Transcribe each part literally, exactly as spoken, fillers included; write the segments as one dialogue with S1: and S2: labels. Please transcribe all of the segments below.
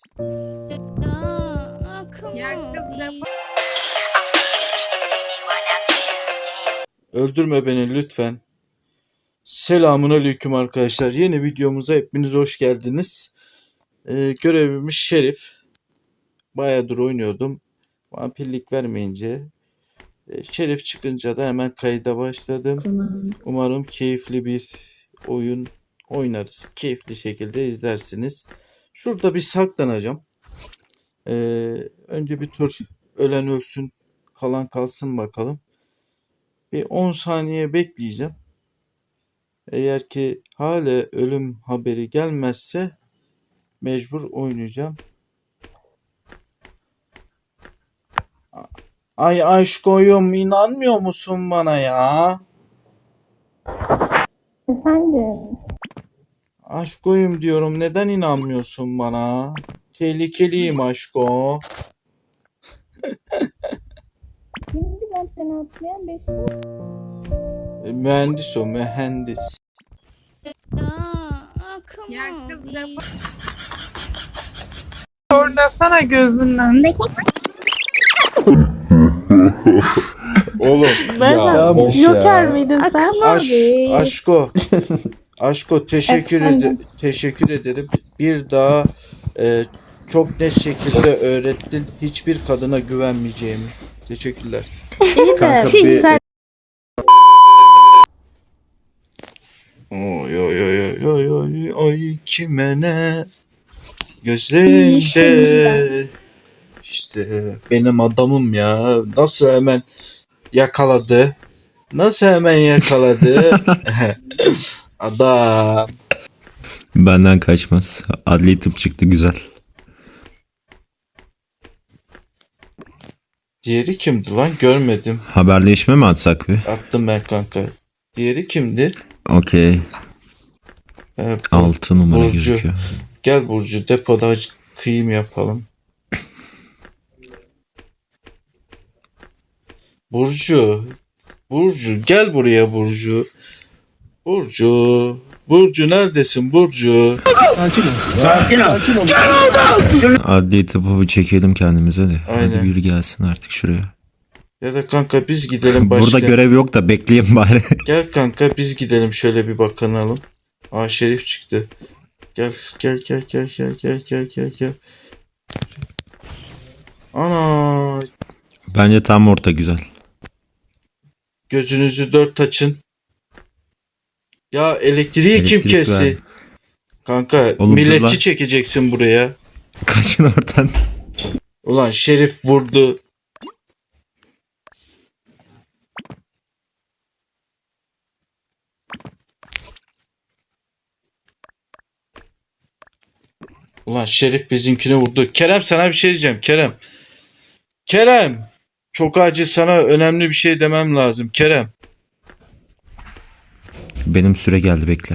S1: Öldürme beni lütfen. Selamünaleyküm arkadaşlar. Yeni videomuza hepiniz hoş geldiniz. Ee, görevimiz Şerif. Bayağıdır oynuyordum. Vampirlik vermeyince. E, Şerif çıkınca da hemen kayda başladım. Umarım keyifli bir oyun oynarız. Keyifli şekilde izlersiniz. Şurada bir saklanacağım. Ee, önce bir tur ölen ölsün, kalan kalsın bakalım. Bir on saniye bekleyeceğim. Eğer ki hala ölüm haberi gelmezse mecbur oynayacağım. Ay aşkoyum, inanmıyor musun bana ya?
S2: Efendim?
S1: Aşkoyum diyorum, neden inanmıyorsun bana? Tehlikeliyim aşko.
S2: Kimdi ben seni atlayan beş?
S1: E, mühendis o, mühendis.
S3: Ya kız lafı... Oynasana gözünden.
S1: Oğlum.
S3: Ya,
S4: boş
S3: Joker
S4: ya.
S3: miydin sen?
S1: Aş, aşko. Aşko teşekkür ederim. Teşekkür ederim. Bir daha e, çok net şekilde öğrettin. Hiçbir kadına güvenmeyeceğimi. Teşekkürler.
S3: İyi de sen...
S1: Oy oy oy oy oy oy kime ne? Gözlerinde. İşte benim adamım ya. Nasıl hemen yakaladı? Nasıl hemen yakaladı? Adam.
S4: Benden kaçmaz. Adli tıp çıktı, güzel.
S1: Diğeri kimdi lan? Görmedim.
S4: Haberleşme mi atsak bir?
S1: Attım ben kanka. Diğeri kimdi?
S4: Okey.
S1: Ee, Bur-
S4: altı numara
S1: Burcu.
S4: gözüküyor.
S1: Gel Burcu, depoda kıyım yapalım. Burcu. Burcu gel buraya Burcu. Burcu. Burcu neredesin Burcu?
S4: Adli tıpı bir çekelim kendimize de.
S1: Aynen.
S4: Hadi biri gelsin artık şuraya.
S1: Ya da kanka biz gidelim başka.
S4: Burada görev yok da bekleyin bari.
S1: Gel kanka biz gidelim şöyle bir bakınalım. Aa Şerif çıktı. Gel gel gel gel gel gel gel gel gel. Ana,
S4: Bence tam orta güzel.
S1: gözünüzü dört açın. Ya elektriği kim
S4: Elektrik
S1: kesti?
S4: ver.
S1: Kanka
S4: Oğlum, dur
S1: milletçi
S4: lan.
S1: çekeceksin buraya.
S4: Kaçın oradan.
S1: Ulan Şerif vurdu. Ulan Şerif bizimkini vurdu. Kerem sana bir şey diyeceğim Kerem. Kerem. Çok acil sana önemli bir şey demem lazım Kerem.
S4: Benim süre geldi, bekle.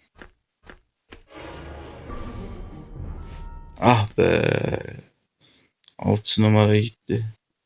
S1: Ah be. Altı numara gitti.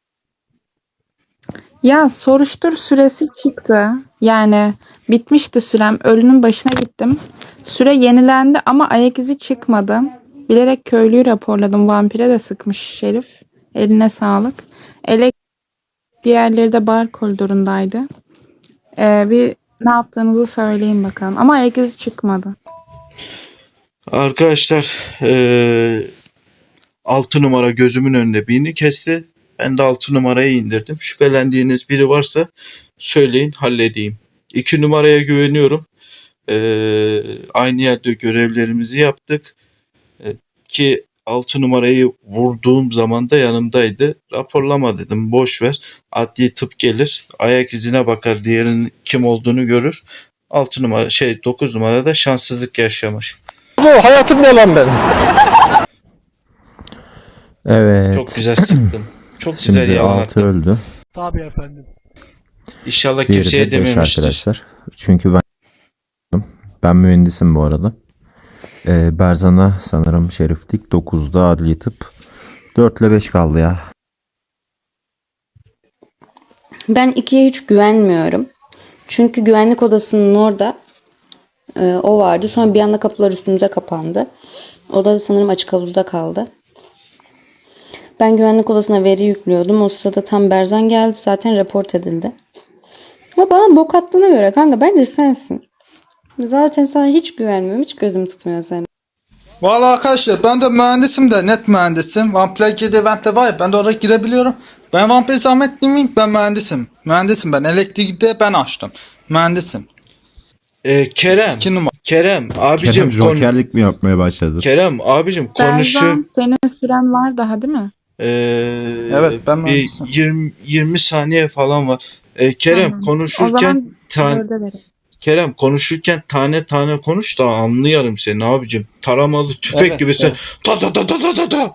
S3: Ya soruştur süresi çıktı. Yani bitmişti sürem. Ölünün başına gittim. Süre yenilendi ama ayak izi çıkmadı. Bilerek köylüyü raporladım. Vampire de sıkmış Şerif. Eline sağlık. Elek diğerleri de bar koridorundaydı. Ee, bir ne yaptığınızı söyleyin bakalım. Ama ayak izi çıkmadı.
S1: Arkadaşlar eee altı numara gözümün önünde birini kesti. Ben de altı numarayı indirdim. Şüphelendiğiniz biri varsa söyleyin halledeyim. iki numaraya güveniyorum. Ee, aynı yerde görevlerimizi yaptık. Ee, ki altı numarayı vurduğum zaman da yanımdaydı. Raporlama dedim, boş ver. Adli tıp gelir. Ayak izine bakar. Diğerinin kim olduğunu görür. altı numara şey dokuz numarada şanssızlık yaşamış.
S5: Bu hayatım ne lan benim?
S4: Evet.
S1: Çok güzel sıktım. Çok güzel
S4: Şimdi altı
S1: yalattım.
S4: öldü.
S5: Tabii efendim.
S1: İnşallah
S4: Diğeri
S1: kimseye
S4: de beş
S1: dememiştir.
S4: arkadaşlar. Çünkü ben ben mühendisim bu arada. Ee, Berzan'a sanırım şeriflik. dokuzda adli tıp. dört ile beş kaldı ya.
S6: Ben ikiye hiç güvenmiyorum. Çünkü güvenlik odasının orada e, o vardı. Sonra bir anda kapılar üstümüze kapandı. O da sanırım açık havuzda kaldı. Ben güvenlik odasına veri yüklüyordum. O sırada tam Berzan geldi. Zaten report edildi. Ama bana bok attığına göre kanka bence sensin. Zaten sana hiç güvenmiyorum. Hiç gözüm tutmuyor seni.
S7: Valla arkadaşlar ben de mühendisim de net mühendisim. Vampire girdi eventte var ya ben de oraya girebiliyorum. Ben vampir zahmet değil miyim? Ben mühendisim. Mühendisim ben. Elektrikte ben açtım. Mühendisim.
S1: Ee, Kerem.
S7: İki numara.
S1: Kerem abicim
S4: Kerem
S1: konu-
S4: jokerlik mi yapmaya başladı?
S1: Kerem abicim konuşu
S3: Berzan senin süren var daha değil mi?
S1: Ee,
S7: Evet, ben
S1: bir
S7: mühendisim.
S1: yirmi yirmi saniye falan var. Ee, Kerem
S3: Tamam. O
S1: konuşurken
S3: zaman
S1: tan-
S3: dörde verin.
S1: Kerem konuşurken tane tane konuş da anlayarım seni abicim. Taramalı tüfek
S7: Evet,
S1: gibi sen
S7: evet.
S1: ta ta ta ta ta ta ta.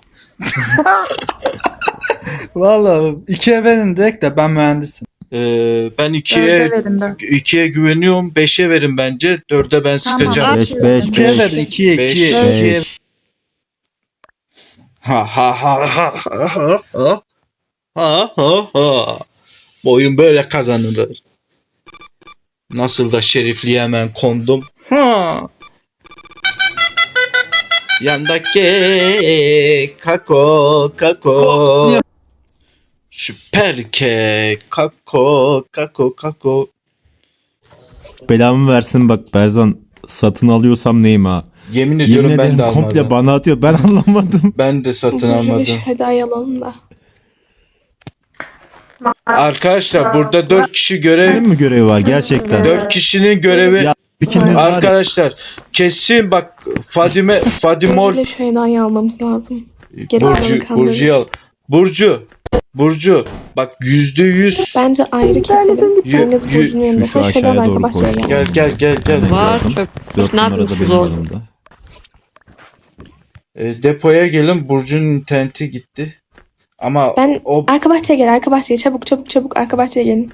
S7: Valla ikiye verin direkt de ben mühendisim.
S1: Ee, ben
S3: Dörde
S1: ikiye
S3: verin dört.
S1: ikiye güveniyorum. Beşe verin bence. Dörde ben
S3: Tamam,
S1: sıkacağım.
S4: Beş,
S3: dört
S4: beş,
S3: verin.
S7: İkiye
S4: beş.
S7: ver. ikiye
S1: Beş.
S7: ikiye.
S3: Beş.
S7: ikiye.
S4: Beş.
S1: Ha ha ha ha ha ha ha. Ha ha ha. Bu oyun böyle kazanılır. Nasıl da şerifliğe hemen kondum. Ha. Yandaki kako kako. Süper kek kako kako kako.
S4: Belamı versin bak Berzan, satın alıyorsam neyim ha?
S1: Yemin ediyorum
S4: Yemin
S1: ben
S4: ederim
S1: de almadım.
S4: komple bana atıyor, ben anlamadım.
S1: Ben de satın almadım.
S2: Hadi alalım da.
S1: Arkadaşlar burada dört kişi görev,
S4: Benim mi görevi var gerçekten?
S1: dört kişinin görevi.
S4: Ya ikiniz var ya.
S1: Arkadaşlar kesin bak Fadime Fadimol
S2: Burcu ile Şeyda'yı almamız lazım. Geri
S1: Burcu
S2: kalanı kandırırız.
S1: Burcu'yu al. Burcu Burcu bak yüzde yüz
S2: Bence ayrı keselim.
S1: Yü-
S2: Biriniz
S1: yü-
S2: Burcu'nun yanında.
S4: Şu- şu
S2: Ha, Şeyda'nın
S4: aşağıya
S2: arka
S4: doğru
S2: bahçeye
S4: koy.
S2: gel.
S1: gel gel gel gel.
S8: Var
S4: Gördüm.
S8: çöp.
S4: Dört
S8: Ne
S4: numarada
S8: yapıyorsunuz
S4: benim
S8: oğlum?
S4: yanımda.
S1: E, depoya gelin, Burcu'nun interneti gitti. Ama
S2: Ben
S1: o
S2: arka bahçeye gel, arka bahçeye. Çabuk çabuk çabuk arka bahçeye gelin.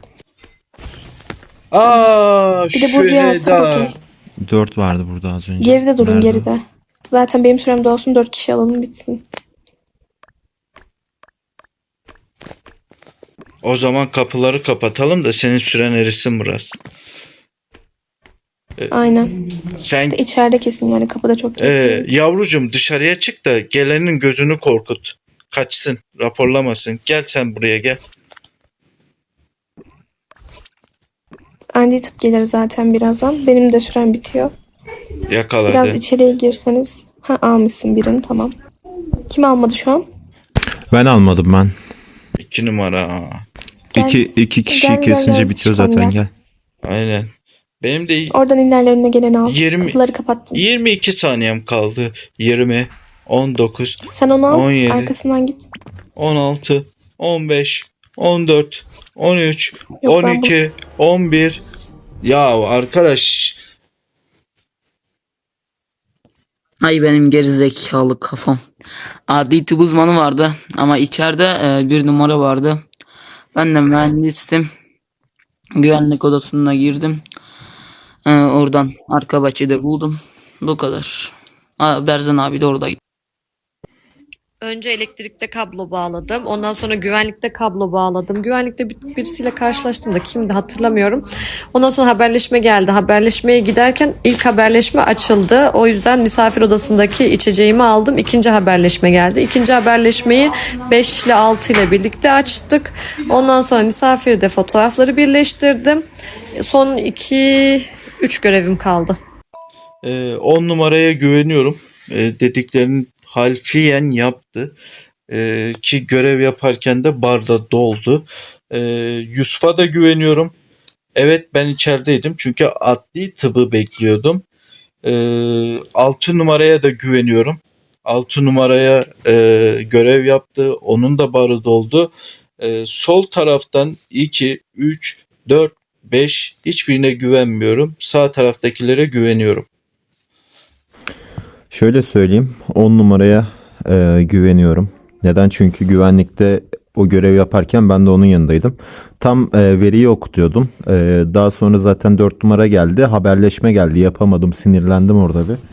S1: aa
S2: Bir de Burcu'yu alsak
S1: Şüheda.
S2: okey.
S4: Dört vardı burada az önce.
S2: Geride durun,
S4: Nerede?
S2: geride. Zaten benim sürem de olsun, dört kişi alalım bitsin.
S1: O zaman kapıları kapatalım da senin süren erisin burası.
S2: Aynen.
S1: Sen
S2: İçeride kesin yani, kapıda çok kesin.
S1: e, yavrucum dışarıya çık da gelenin gözünü korkut. Kaçsın, raporlamasın. Gel sen buraya gel.
S2: Andy tıp gelir zaten birazdan. Benim de sürem bitiyor. Biraz
S1: Yakaladı.
S2: içeriye girseniz. Ha, almışsın birini, tamam. Kim almadı şu an?
S4: Ben almadım ben.
S1: İki numara.
S2: Gel.
S4: İki, iki kişiyi
S2: Gel, gel,
S4: kesince
S2: gel.
S4: bitiyor
S2: Çıkalım,
S4: zaten
S2: gel.
S4: gel.
S1: Aynen. Benim de
S2: Oradan ilerle, önüne geleni al.
S1: Yirmi-
S2: Kapıları kapattım.
S1: yirmi iki saniyem kaldı. yirmi, on dokuz,
S2: Sen onu al,
S1: on yedi.
S2: arkasından git.
S1: on altı, on beş, on dört, on üç,
S2: Yok,
S1: on
S2: ben
S1: iki, on bir. Ya arkadaş
S8: Ay benim gerizekalı kafam. Adli tıp uzmanı vardı ama içeride e, bir numara vardı. Ben de mühendistim. Güvenlik odasına girdim. E, oradan arka bahçede buldum. Bu kadar. Aa, Berzan abi de oradaydı.
S9: Önce elektrikte kablo bağladım. Ondan sonra güvenlikte kablo bağladım. Güvenlikte bir- birisiyle karşılaştım da kimdi hatırlamıyorum. Ondan sonra haberleşme geldi. Haberleşmeye giderken ilk haberleşme açıldı. O yüzden misafir odasındaki içeceğimi aldım. İkinci haberleşme geldi. İkinci haberleşmeyi beş ile altı ile birlikte açtık. Ondan sonra misafirde fotoğrafları birleştirdim. Son iki üç görevim kaldı.
S1: e, on numaraya güveniyorum. E, dediklerini harfiyen yaptı. E, ki görev yaparken de barda doldu. E, Yusuf'a da güveniyorum. Evet ben içerideydim çünkü adli tıbbı bekliyordum. E, altı numaraya da güveniyorum. altı numaraya e, görev yaptı. Onun da barı doldu. E, sol taraftan iki, üç, dört, beş hiçbirine güvenmiyorum. Sağ taraftakilere güveniyorum.
S4: Şöyle söyleyeyim, on numaraya e, güveniyorum. Neden? Çünkü güvenlikte o görev yaparken ben de onun yanındaydım. Tam e, veriyi okutuyordum. E, daha sonra zaten dört numara geldi. Haberleşme geldi. Yapamadım. Sinirlendim orada bir.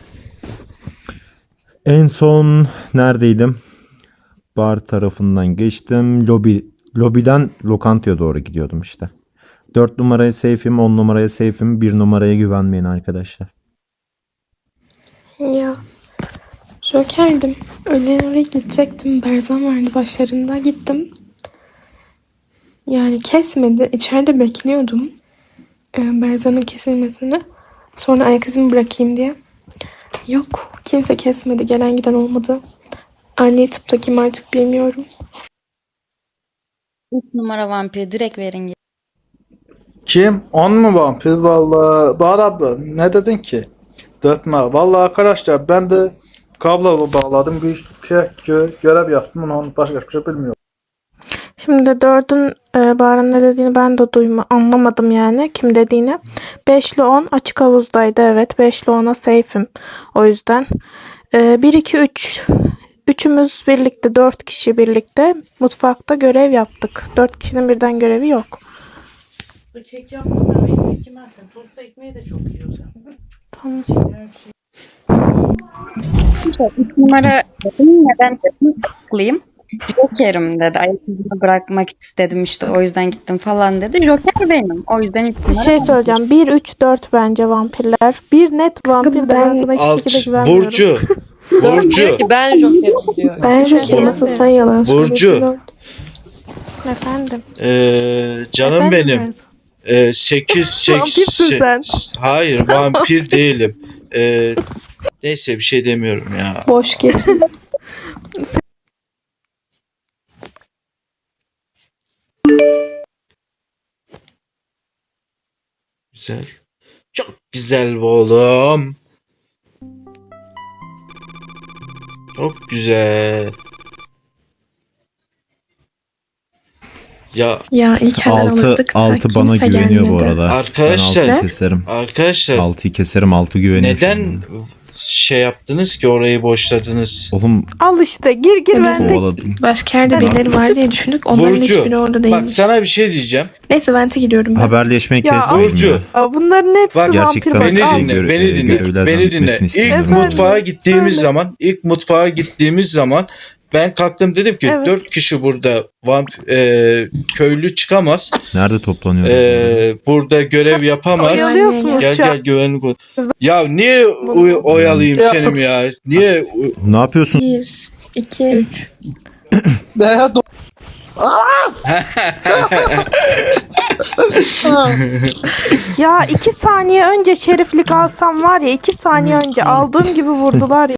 S4: En son neredeydim? Bar tarafından geçtim. Lobi, lobiden lokantaya doğru gidiyordum işte. dört numaraya safe'im, on numaraya safe'im. bir numaraya güvenmeyin arkadaşlar.
S2: Ya. Joker'dim. Öğlen oraya gidecektim. Berzan vardı başlarında. Gittim. Yani kesmedi. İçeride bekliyordum. Ee, Berzan'ın kesilmesini. Sonra ayak izimi bırakayım diye. Yok. Kimse kesmedi. Gelen giden olmadı. Adli tıpta kim artık bilmiyorum.
S6: üç numara vampir direkt verin.
S7: Kim? On mu vampir? Vallahi Bahar abla ne dedin ki? Dörtme. Vallahi arkadaşlar ben de kablo bağladım. Bir şey gö- görev yaptım. Onu başka bir şey bilmiyorum.
S2: Şimdi dördün e, Bahar'ın ne dediğini ben de duyma, anlamadım yani kim dediğini. beş ile on açık havuzdaydı, evet. beş ile ona safe'im. O yüzden. E, bir, iki, üç. Üçümüz birlikte, dört kişi birlikte mutfakta görev yaptık. Dört kişinin birden görevi yok.
S10: Kek yapmadan ekmek yemezsen tosta ekmeği de çok yiyorsun.
S2: Tamam.
S6: üç numara dedim. Neden dedim? Haklıyım. Joker'im dedi. Ayak izini bırakmak istedim işte o yüzden gittim falan dedi. Joker benim. O yüzden üç
S2: Bir
S6: numara
S2: şey
S6: vampir.
S2: söyleyeceğim. bir, üç, dört bence vampirler. bir net vampir de ben sana hiçbir
S1: Alt.
S2: şekilde güvenmiyorum.
S1: Burcu.
S9: Diyor
S1: Burcu.
S9: ki ben Joker'im diyor.
S2: Ben Joker'im, asıl sen yalan
S1: Burcu.
S2: söylüyorsun. Efendim.
S1: Ee, canım
S2: Efendim
S1: benim.
S2: mi?
S1: Ee, sekiz, sekiz,
S2: Vampirsin sen.
S1: Hayır vampir değilim. Ee, neyse bir şey demiyorum ya.
S2: Boş geçin.
S1: Güzel. Çok güzel bu oğlum. Çok güzel. Ya
S2: Ya ilk elden
S4: Altı,
S2: alırdık da
S4: altı bana
S2: kimse
S4: güveniyor bu
S2: gelmedi.
S4: arada.
S1: Arkadaşlar-
S4: Ben altıyı keserim.
S1: arkadaşlar
S4: altıyı keserim, altı güveniyor. şu
S1: neden
S4: an.
S1: şey yaptınız ki orayı boşladınız?
S4: Oğlum
S2: Al işte gir gir Ya ben biz de
S4: kovaladım.
S2: başka yerde birileri var diye düşündük. Onların
S1: Burcu,
S2: hiçbiri orada
S1: Bak
S2: değilmiş.
S1: sana bir şey diyeceğim.
S2: Neyse vente gidiyorum ben.
S4: Haberleşmeyi
S2: Ya,
S4: kesmeyin
S1: Burcu.
S4: ya.
S2: Aa, bunların hepsi
S1: Bak,
S4: Gerçekten
S2: vampir.
S1: Beni
S2: Bak, al.
S4: şey
S1: dinle,
S4: göre-
S1: beni
S4: e,
S1: dinle,
S4: görevlerden
S1: beni dinle.
S4: bitmesini
S1: İlk
S4: istemiyorum.
S1: mutfağa gittiğimiz
S2: Söyle.
S1: zaman, ilk mutfağa gittiğimiz zaman ben kalktım dedim ki
S2: Evet.
S1: dört kişi burada vamp e, köylü çıkamaz.
S4: Nerede toplanıyoruz?
S1: E, burada görev yapamaz.
S2: Oyalıyorsunuz
S1: Gel
S2: şu an.
S1: gel güvenlik ol- Ya niye oy- oyalayayım senim ya? Niye
S4: Ne yapıyorsun?
S2: Bir, iki, üç.
S7: Ne ya? Do-
S2: Ya iki saniye önce şeriflik alsam var ya, iki saniye önce aldığım gibi vurdular ya.